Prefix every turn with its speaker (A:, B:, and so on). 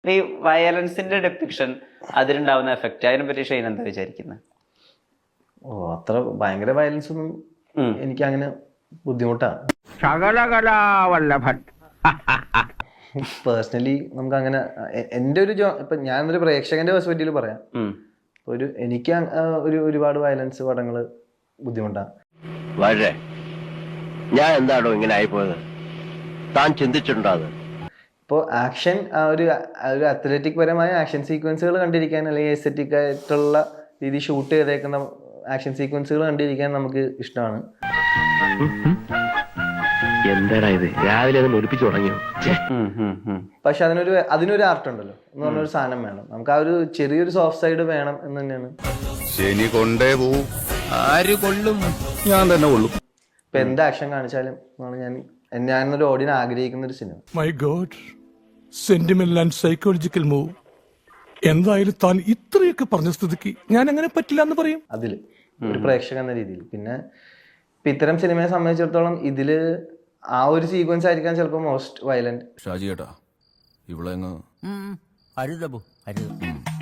A: ഈ വയലൻസിന്റെ depiction അതിലുണ്ടാവുന്ന effect അതിനെ പറ്റി ഷെയ്ൻ എന്താ വിചാരിക്കുന്നത്?
B: അത്ര ഭയങ്കര വയലൻസ് ഒന്നും എനിക്ക് അങ്ങനെ ബുദ്ധിമുട്ടാണ്. പേഴ്സണലി നമുക്ക് അങ്ങനെ എൻ്റെ ഒരു ഇപ്പൊ ഞാനൊരു പ്രേക്ഷകന്റെ പെർസ്പെക്റ്റീവിൽ പറയാം. എനിക്ക് ഒരുപാട് വയലൻസ് പടങ്ങള് ബുദ്ധിമുട്ടാണ്.
C: ഞാൻ എന്താണോ ഇങ്ങനെ ആയിപ്പോയത്, താൻ ചിന്തിച്ചിട്ടുണ്ടോ? അത്
B: ഇപ്പോൾ ആക്ഷൻ ഒരു അത്ലറ്റിക് പരമായ ആക്ഷൻ സീക്വൻസുകൾ കണ്ടിരിക്കാൻ, അല്ലെങ്കിൽ എസ്തെറ്റിക് ആയിട്ടുള്ള രീതി ഷൂട്ട് ചെയ്തേക്കുന്ന ആക്ഷൻ സീക്വൻസുകൾ കണ്ടിരിക്കാൻ നമുക്ക് ഇഷ്ടമാണ്.
C: എന്താടാ ഇത്, രാവിലെ അത് ഒലിപ്പിച്ചു തുടങ്ങിയോ?
B: പക്ഷെ അതിനൊരു ആർട്ട് ഉണ്ടല്ലോ എന്ന് പറഞ്ഞൊരു സാധനം വേണം. നമുക്ക് ആ ഒരു ചെറിയൊരു സോഫ്റ്റ് സൈഡ് വേണം എന്ന് തന്നെയാണ്.
D: ശനി കൊണ്ടേ പോവും, ആര് കൊള്ളും? ഞാൻ തന്നെ കൊള്ളും.
B: ഇപ്പൊ എന്ത് ആക്ഷൻ കാണിച്ചാലും ഞാനൊരു ഓഡിയൻസ് ആഗ്രഹിക്കുന്ന ഒരു സിനിമ.
E: My god, sentimental and psychological move. എന്തായാലും താൻ ഇത്രയൊക്കെ പറഞ്ഞ സ്ഥിതിക്ക് ഞാൻ അങ്ങനെ പറ്റില്ല എന്ന് പറയും.
B: അതില് ഒരു പ്രേക്ഷകൻ എന്ന രീതിയിൽ. പിന്നെ ഇപ്പൊ ഇത്തരം സിനിമയെ സംബന്ധിച്ചിടത്തോളം ഇതില് ആ ഒരു സീക്വൻസ് ആയിരിക്കാം ചിലപ്പോൾ മോസ്റ്റ് വയലന്റ്.
D: ഷാജി ഏട്ടാ, ഇവിടെ